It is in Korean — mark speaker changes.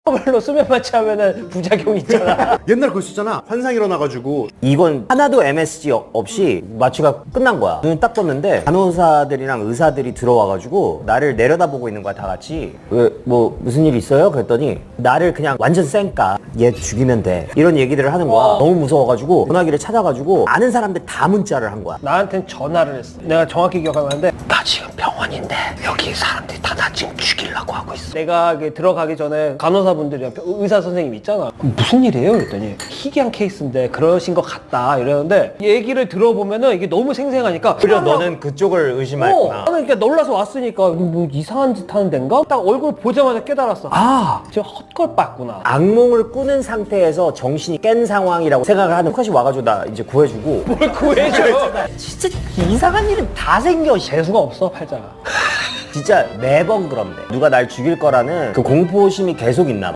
Speaker 1: 걸로 수면 마취하면은 부작용이 있잖아.
Speaker 2: 옛날 그거 있었잖아. 환상 일어나가지고
Speaker 3: 이건 하나도 MSG 없이 마취가 끝난 거야. 눈 딱 떴는데 간호사들이랑 의사들이 들어와가지고 나를 내려다보고 있는 거야, 다 같이. 왜, 뭐 무슨 일 있어요? 그랬더니 나를 그냥 완전 쌩까 얘 죽이면 돼 이런 얘기들을 하는 거야. 너무 무서워가지고 전화기를 찾아가지고 아는 사람들 다 문자를 한 거야.
Speaker 1: 나한텐 전화를 했어. 내가 정확히 기억하는데 나 지금 병원인데 여기 사람들이 다 나 지금 죽이려고 하고 있어. 내가 들어가기 전에 간호사분들이랑 의사 선생님 있잖아. 무슨 일이에요? 그랬더니 희귀한 케이스인데 그러신 것 같다 이러는데 얘기를 들어보면은 이게 너무 생생하니까
Speaker 3: 그래 너는 그쪽을 의심했구나.
Speaker 1: 나는 그냥 놀라서 왔으니까 뭐 이상한 짓 하는 데인가? 딱 얼굴 보자마자 깨달았어. 아, 지금 헛걸 봤구나.
Speaker 3: 악몽을 꾸는 상태에서 정신이 깬 상황이라고 생각을 하는 컷이 와가지고 나 이제 구해주고.
Speaker 1: 뭘 구해줘.
Speaker 3: 진짜 이상한 일은 다 생겨.
Speaker 1: 재수가 없어, 팔자가.
Speaker 3: 진짜 매번 그런데 누가 날 죽일 거라는 그 공포심이 계속 있나 봐.